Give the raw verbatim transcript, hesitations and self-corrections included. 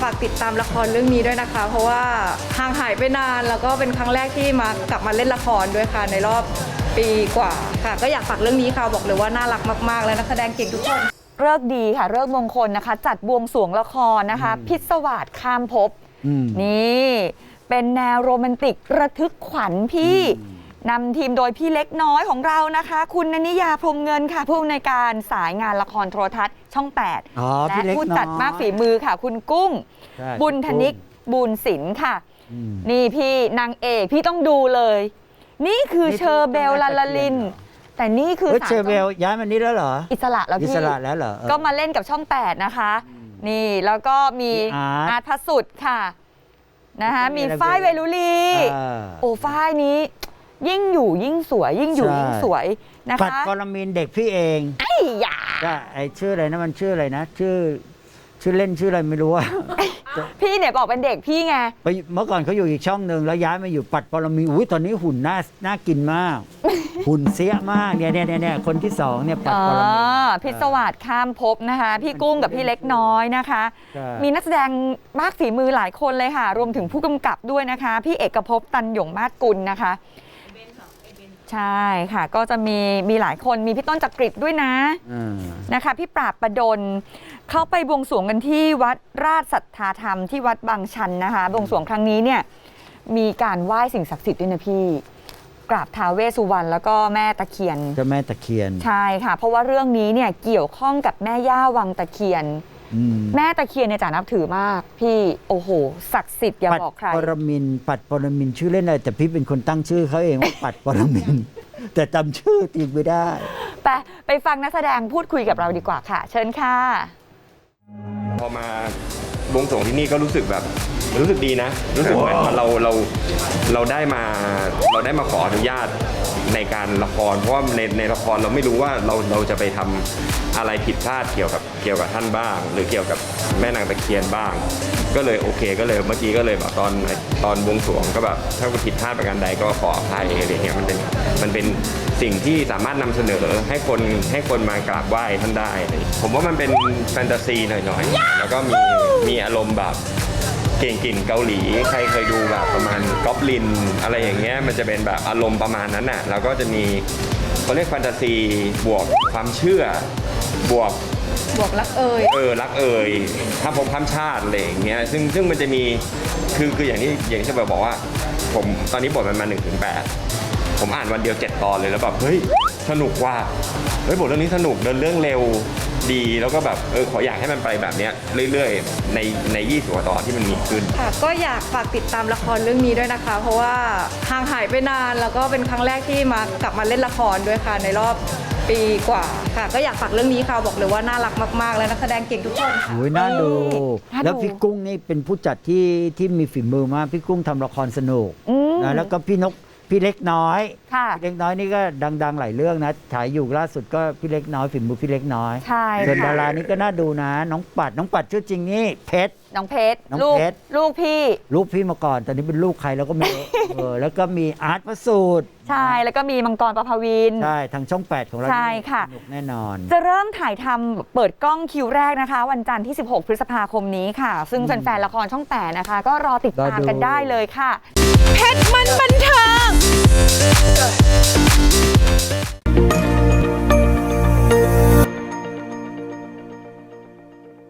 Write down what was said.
ฝากติดตามละครเรื่องนี้ด้วยนะคะเพราะว่าห่างหายไปนานแล้วก็เป็นครั้งแรกที่มากลับมาเล่นละครด้วยค่ะในรอบปีกว่าค่ะก็อยากฝากเรื่องนี้ค่ะบอกเลยว่าน่ารักมากๆและนักแสดงเก่งทุกคนเลิกดีค่ะเลิกมงคลนะคะจัดบวงสรวงละครนะคะพิศวาสข้ามภพนี่เป็นแนวโรแมนติกระทึกขวัญพี่นำทีมโดยพี่เล็กน้อยของเรานะคะคุณณนิยาพรหมเงินค่ะผู้อำนวยการสายงานละครโทรทัศน์ช่องแปดและผู้จัดมากฝีมือค่ะคุณกุ้งบุญธนิกบุญศิลป์ค่ะนี่พี่นางเอกพี่ต้องดูเลยนี่คือเชอร์เบลลาลาลินแต่นี่คือเชอร์เบลย้ายมานี่แล้วเหรออิสระแล้วพี่อิสระแล้วเหรอก็มาเล่นกับช่องแปดนะคะนี่แล้วก็มีอาร์ตพระสุดค่ะนะคะมีฝ้ายเวลุลีโอ้ฝ้ายนี้ยิ่งอยู่ยิ่งสวยยิ่งอยู่ยิ่งสวยนะคะปัดปรมินเด็กพี่เองไอ้ยาก็ไอชื่ออะไรนะมันชื่ออะไรนะชื่อชื่อเล่นชื่ออะไรไม่รู้ว่าพี่เนี่ยบอกเป็นเด็กพี่ไงไปเมื่อก่อนเขาอยู่อีกช่องหนึ่งแล้วย้ายมาอยู่ปัดปรมินอุ้ยตอนนี้หุ่นน่าน่ากินมากหุ่นเสี้ยมากเนี่ยเนี่ยเนี่ยคนที่สองเนี่ยปัดปรมินพิศวาสข้ามภพนะคะพี่กุ้งกับพี่เล็กน้อยนะคะมีนักแสดงมากฝีมือหลายคนเลยค่ะรวมถึงผู้กำกับด้วยนะคะพี่เอกภพตันหยงมาศกุลนะคะใช่ค่ะก็จะมีมีหลายคนมีพี่ต้นจักริดด้วยนะนะคะพี่ปราบประดลเข้าไปบวงสรวงกันที่วัดราชสัทธาธรรมที่วัดบางชันนะคะบวงสรวงครั้งนี้เนี่ยมีการไหว้สิ่งศักดิ์สิทธิ์ด้วยนะพี่กราบท้าวเวสสุวรรณแล้วก็แม่ตะเคียนเจ้าแม่ตะเคียนใช่ค่ะเพราะว่าเรื่องนี้เนี่ยเกี่ยวข้องกับแม่ย่าวังตะเคียนแม่ตะเคียนเนี่ยจ๋านับถือมากพี่โอ้โหศักดิ์สิทธิ์อย่าบอกใครปัดปรมินปัดปรมินชื่อเล่นอะไรแต่พี่เป็นคนตั้งชื่อเขาเองว่าปัดปรมินแต่จำชื่อจริงไม่ได้ไปไปฟังนักแสดงพูดคุยกับเราดีกว่าค่ะเชิญค่ะพอมาบวงสรวงที่นี่ก็รู้สึกแบบรู้สึกดีนะรู้สึกเหมือนเราเราเราได้มาเราได้มาขออนุญาตในการละครเพราะว่าในในละครเราไม่รู้ว่าเราเราจะไปทำอะไรผิดพลาดเกี่ยวกับเกี่ยวกับท่านบ้างหรือเกี่ยวกับแม่นางตะเคียนบ้างก็เลยโอเคก็เลยเมื่อกี้ก็เลยแบบตอนตอนบวงสรวงก็แบบถ้าผิดพลาดประการใดก็ขออภัยอะไรเงี้ยมันเป็นมันเป็นสิ่งที่สามารถนำเสนอให้คนให้คนมากราบไหว้ท่านได้ผมว่ามันเป็นแฟนตาซีหน่อยๆแล้วก็มีมีอารมณ์แบบเก่งกลิ่นเกาหลีใครเคยดูแบบประมาณก๊อบลินอะไรอย่างเงี้ยมันจะเป็นแบบอารมณ์ประมาณนั้นน่ะแล้วก็จะมีเขาเรียกแฟนตาซีบวกความเชื่อบวกบวกรักเอ่ยเออรักเอ่ยถ้าผมข้ามชาติอะไรอย่างเงี้ยซึ่งซึ่งมันจะมีคือคืออย่างที่อย่างที่จะบอกว่าผมตอนนี้บทมันมาหนึ่งถึงแปดผมอ่านวันเดียวเจ็ดตอนเลยแล้วแบบเฮ้ยสนุกว่ะเฮ้ยบทเรื่องนี้สนุกเดินเรื่องเร็วดีแล้วก็แบบเออขออยากให้มันไปแบบเนี้ยเรื่อยๆในในยี่สิบกว่าตอนที่มันมีขึ้นค่ะก็อยากฝากติดตามละครเรื่องนี้ด้วยนะคะเพราะว่าห่างหายไปนานแล้วก็เป็นครั้งแรกที่มากลับมาเล่นละครด้วยค่ะในรอบปีกว่าค่ะก็อยากฝากเรื่องนี้ค่ะบอกเลยว่าน่ารักมากๆและนักแสดงเก่งทุกคนโอ้ยน่าดูแล้วพี่กุ้งนี่เป็นผู้จัดที่ที่มีฝีมือมากพี่กุ้งทำละครสนุกนะแล้วก็พี่นกพี่เล็กน้อยพี่เล็กน้อยนี่ก็ดังๆหลายเรื่องนะฉายอยู่ล่าสุดก็พี่เล็กน้อยฝีมือพี่เล็กน้อยส่วนดารานี่ก็น่าดูนะน้องปัดน้องปัดชื่อจริงนี่เพชรน้องเพชรลูกลูกพี่ลูกพี่มาก่อนตอนนี้เป็นลูกใครแล้วก็ไม่รู้เออแล้วก็มีอาร์ตประสูตรใช่แล้วก็มีมังกรประภวินใช่ทางช่องแปดของเราใช่ค่ะสนุกแน่นอนจะเริ่มถ่ายทำเปิดกล้องคิวแรกนะคะวันจันทร์ที่สิบหกพฤษภาคมนี้ค่ะซึ่งแฟนๆละครช่องแปดนะคะก็รอติดตามกันได้เลยค่ะเพชรมันบันเทิง